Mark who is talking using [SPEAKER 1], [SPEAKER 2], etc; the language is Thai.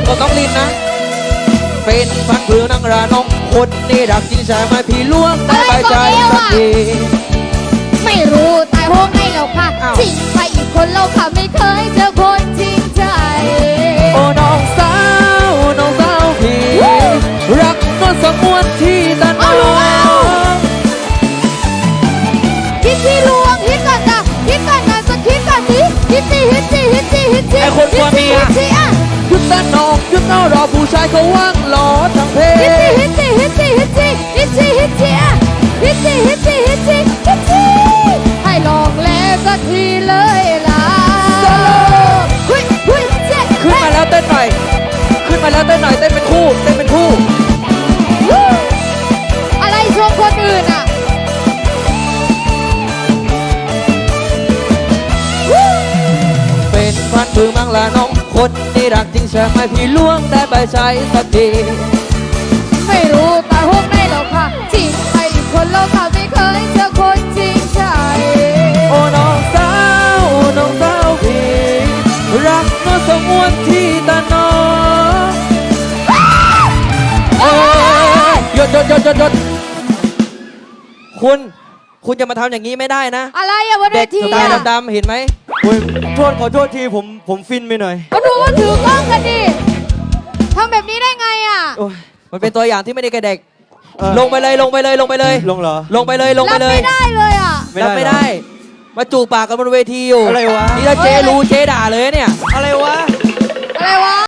[SPEAKER 1] กับน้องลินนะเป็นพันผือนังราน้องคนนี่รักจริงใช่ไหมพี่ล้วงได้ใบใจสักที
[SPEAKER 2] ไม่รู้ตายโหงให้เราค่ะจริงไปอีกคนเราค่ะไม่เคยเจอคนจริงใจ
[SPEAKER 1] โอ้น้องสาวพี่รักนวลสมวนที่ตาน้อง
[SPEAKER 2] ฮิตที่ลวงฮิตก่อนจ้ะฮิตก่อนนะสักฮิตก่อนสิฮิตสิ
[SPEAKER 1] ไอคนกลัวเมียหยุดตาน้องหยุดเอารอผู้ชายเขาว่างรอทั้งเพลง
[SPEAKER 2] ฮิตสิให้ลองแล้วสักทีเลยล่ะ
[SPEAKER 1] ขึ้นมาแล้วเต้นหน่อยเต้นเป็นคู่
[SPEAKER 2] อะไรชมคนอื่นอ่ะ
[SPEAKER 1] เป็นพันมือมังลาน้องคนนี่รักจริงใช่ไหมพี่ล้วงได้ใบใจสักที
[SPEAKER 2] ไม่รู้ตายโหงให้เราค่ะจริงไปอีกคนเราค่ะไม่เคยเจอคนจริงใจ
[SPEAKER 1] โอ้น้องสาวพี่รักนวลสมวนที่ตาน้องหยุดคุณจะมาทำอย่างนี้ไม่ได้นะ
[SPEAKER 2] อะไรอะวันเวที
[SPEAKER 1] ตาดำเห็นไหมขอโทษทีผมฟินไปหน่อย
[SPEAKER 2] ก็ดูว่าถือกล้องกันดิทำแบบนี้ได้ไงอะ
[SPEAKER 1] มันเป็นตัวอย่างที่ไม่ได้แก่เด็กลงไปเลย
[SPEAKER 3] ลงเหรอ
[SPEAKER 1] ลงไปเลย
[SPEAKER 2] รับไม่ได้เลยอะ
[SPEAKER 1] รับไม่ได้มาจูบปากกันบนเวทีอยู่
[SPEAKER 3] อะไรวะ
[SPEAKER 1] นี่ถ้าเจ๊รู้เจ๊ด่าเลยเนี่ย
[SPEAKER 3] อะไรวะ